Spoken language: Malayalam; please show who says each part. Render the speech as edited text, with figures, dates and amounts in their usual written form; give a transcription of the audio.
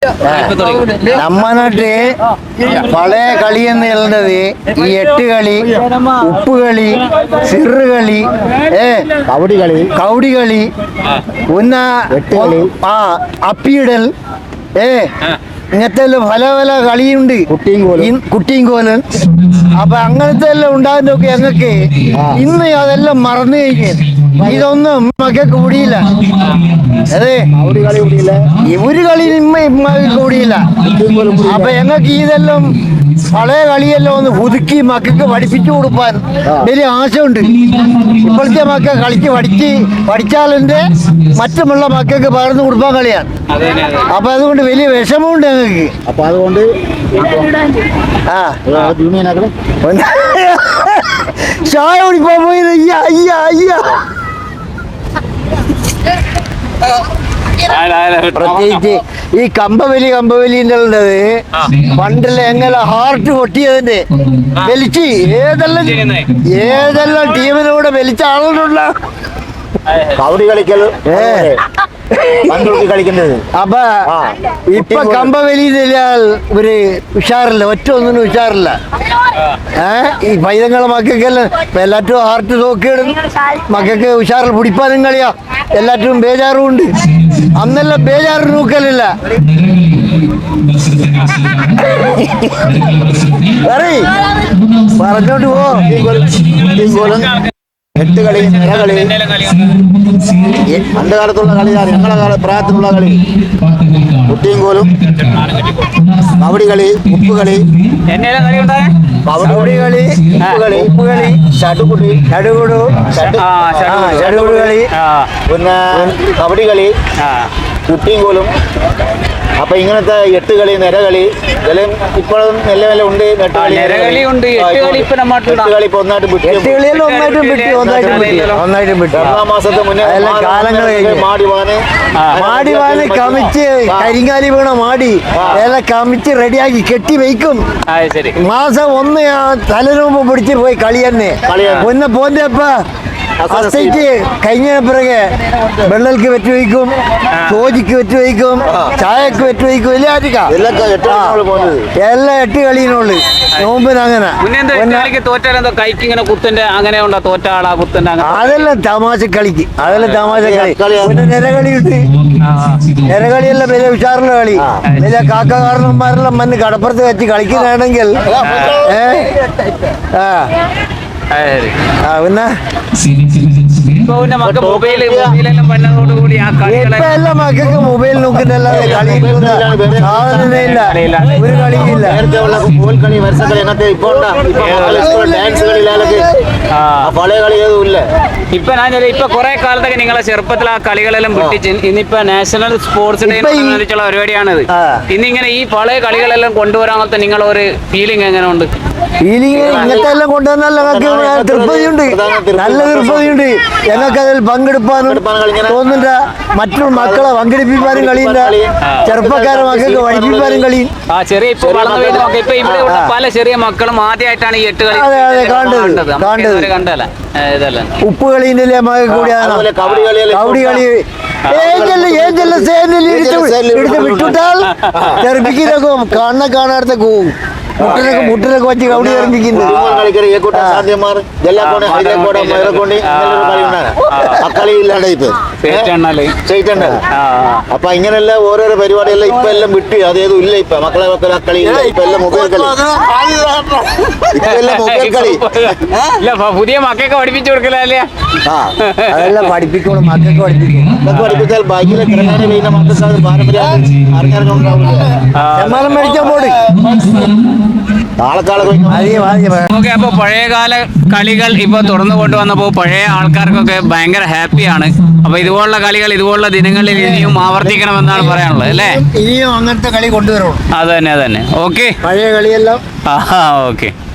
Speaker 1: ನಮ್ಮ ನಾಟ್ರೆ പഴയ കളി എന്ന് പറയുന്നത് ഈ 8 കളി, ഉപ്പ് കളി, സിറ് കളി, കൗടി കളി, പിന്നെ അപ്പിയിടൽ, ഇങ്ങനത്തെ പല പല കളിയുണ്ട്, കുട്ടിയും കോലും. അപ്പൊ അങ്ങനത്തെ എല്ലാം ഉണ്ടാകുന്നൊക്കെ ഞങ്ങൾക്ക് ഇന്ന് അതെല്ലാം മറന്നു കഴിഞ്ഞു. ഇതൊന്നും മക്ക കൂടിയില്ല. അതെ, ഒരു കളി കൂടിയില്ല. അപ്പൊ ഞങ്ങൾക്ക് ഇതെല്ലാം പഴയ കളിയെല്ലാം ഒന്ന് പുതുക്കി മക്കൾക്ക് പഠിപ്പിച്ചു കൊടുക്കാൻ വലിയ ആശയുണ്ട്. ഇപ്പോഴത്തെ മക്കൾ കളിച്ച് പഠിച്ചാലെന്റെ മറ്റുമുള്ള മക്കൾക്ക് പകർന്നു കൊടുക്കാൻ കളിയാണ്. അപ്പൊ അതുകൊണ്ട് വലിയ വിഷമമുണ്ട് ഞങ്ങൾക്ക്.
Speaker 2: അപ്പൊ അതുകൊണ്ട്
Speaker 1: ചായ കുടിക്കാൻ പോയി. പ്രത്യേകിച്ച് ഈ കമ്പവലിന്റെ ഉള്ളത് പണ്ടില്ല എങ്ങനെ ഹാർട്ട് പൊട്ടിയതിന്റെ വലിച്ച് ഏതെല്ലാം ടീമിനൂടെ വലിച്ച ആളുകളുള്ള
Speaker 2: കൗടി കളിക്കുന്നത്.
Speaker 1: അപ്പൊ ഇപ്പൊ കമ്പവലിയില്ല ഒരു ഉഷാറില്ല, ഒറ്റ ഒന്നിനും ഉഷാറില്ല. ഈ പൈതങ്ങളെ മക്കൾക്കെല്ലാം എല്ലാറ്റും ഹാർട്ട് നോക്കിയിടും. മക്കൾക്ക് ഉഷാറിൽ പിടിപ്പാനും കളിയാ, എല്ലാറ്റും ബേജാറും ഉണ്ട്. അന്നെല്ലാം ബേജാറ് നോക്കലില്ല. പറഞ്ഞോണ്ട് പോ.
Speaker 2: 8 കളി, നിറകളി, പണ്ട് കാലത്തുള്ള കളിയാണ്. ഞങ്ങളെ പ്രായത്തിലുള്ള കളി കുട്ടിയും കോലും, കബഡി കളി, ഉപ്പ് കളി, ഉപ്പ് കളി, ചടുകുടു കളി, പിന്നെ കബഡി കളി, കുട്ടിയും കോലും. അപ്പൊ ഇങ്ങനത്തെ 8 കളി, നിരകളി ഇതെല്ലാം ഇപ്പോഴും മെല്ലെ മെല്ലെ ഉണ്ട്. 8 കളി ഇപ്പൊ ഒന്നായിട്ടും മാസത്തെ മുന്നേ
Speaker 1: മാടിവാന് കമിച്ച് കരിങ്കാലി വീണ മാടി എല്ലാം കമിച്ച് റെഡിയാക്കി കെട്ടി വയ്ക്കും. മാസം 1 തലരൂപ പിടിച്ച് പോയി കളി തന്നെ. ഒന്ന് പോന്നപ്പ അസൈറ്റ് കഴിഞ്ഞ പിറകെ വെള്ളൽക്ക് വെച്ച് വയ്ക്കും, ചോജിക്ക് വെച്ച് വയ്ക്കും, ചായക്ക് വെച്ച് വയ്ക്കും. എല്ലാം 8 കളിയിനുള്ളു. നോമ്പിന് അങ്ങനെ അതെല്ലാം തമാശ കളിക്ക്, അതെല്ലാം തമാശ കളി. പിന്നെ നിരകളിയുണ്ട്. നിരകളിയെല്ലാം വലിയ ഉഷാറുള്ള കളി. വലിയ കാക്കകാരന്മാരെല്ലാം മണ്ണ് കടപ്പുറത്ത് വെച്ച് കളിക്കുന്നതാണെങ്കിൽ പിന്നെ എല്ലാ മക്കൾക്ക് മൊബൈൽ നോക്കുന്നല്ലാതെ കളി സാധനമില്ല, ഒരു കളിയില്ല.
Speaker 2: പഴയ കളി ഏതും ഇല്ല.
Speaker 3: ഇപ്പൊ കുറെ കാലത്തൊക്കെ നിങ്ങളെ ചെറുപ്പത്തിൽ ആ കളികളെല്ലാം പൊട്ടിച്ച് ഇന്നിപ്പോ നാഷണൽ സ്പോർട്സ് ഡേ സംബന്ധിച്ചുള്ള പരിപാടിയാണിത്. ഇന്നിങ്ങനെ ഈ പഴയ കളികളെല്ലാം കൊണ്ടുവരാനത്തെ നിങ്ങളൊരു ഫീലിംഗ് എങ്ങനെ ഉണ്ട്?
Speaker 1: ഫീലിംഗ് ഇങ്ങനത്തെ എല്ലാം കൊണ്ടുവന്നാൽ ഞങ്ങൾക്ക് തൃപ്തിയുണ്ട്, നല്ല തൃപ്തിയുണ്ട്. ഞങ്ങൾക്ക് അതിൽ പങ്കെടുപ്പാനും തോന്നുന്നില്ല. മറ്റുള്ള മക്കളെ പങ്കെടുപ്പിക്കാനും കളിയില്ല, ചെറുപ്പക്കാരെ മക്കൾക്ക് പഠിപ്പിക്കാനും കളിയും.
Speaker 3: ചെറിയ ഇപ്പൊ വളർന്നു വരുന്നൊക്കെ ഇപ്പൊ ഇവിടെ പല ചെറിയ മക്കളും ആദ്യമായിട്ടാണ് ഈ 8 കളി കണ്ടല്ല.
Speaker 1: ഉപ്പ് കളീന്റെ കൂടിയാണ് കബഡി കളി. എടുത്ത് വിട്ടുട്ടാൽ തെറിപ്പിക്കുന്നൊക്കെ കാണാത്ത മുട്ടിനൊക്കെ വെച്ച് കബഡി തെറിപ്പിക്കുന്നത്.
Speaker 2: അപ്പൊ ഇങ്ങനെയല്ല ഓരോരോ പരിപാടിയെല്ലാം ഇപ്പൊ എല്ലാം വിട്ട് അതേതും ഇല്ല. ഇപ്പൊ മക്കളെ കളി ഇപ്പൊ എല്ലാം മൊബൈൽ കളി, ഇപ്പൊ എല്ലാം മൊബൈൽ കളി.
Speaker 3: പുതിയ മക്കൾക്ക് പഠിപ്പിച്ചു കൊടുക്കലല്ലേ?
Speaker 1: അതെല്ലാം പഠിപ്പിക്കണം, മക്കൾക്ക്
Speaker 2: പഠിപ്പിച്ചാൽ ബാക്കിയിലെ കിടക്കാനെ വീണ മക്കൾക്ക് പാരമ്പര്യം അറിഞ്ഞിറങ്ങുന്നുണ്ടാവില്ല.
Speaker 1: മേടിക്കാൻ പോട്.
Speaker 3: അപ്പൊ പഴയകാല കളികൾ ഇപ്പൊ തുറന്നു കൊണ്ടുവന്നപ്പോ പഴയ ആൾക്കാർക്കൊക്കെ ഭയങ്കര ഹാപ്പിയാണ്. അപ്പൊ ഇതുപോലുള്ള കളികൾ ഇതുപോലുള്ള ദിനങ്ങളിൽ ഇനിയും ആവർത്തിക്കണമെന്നാണ് പറയാനുള്ളത് അല്ലേ?
Speaker 1: ഇനിയും അങ്ങനത്തെ കളി കൊണ്ടുവരണം.
Speaker 3: അതന്നെ ഓക്കെ.
Speaker 1: പഴയ കളിയെല്ലാം
Speaker 3: ഓക്കെ.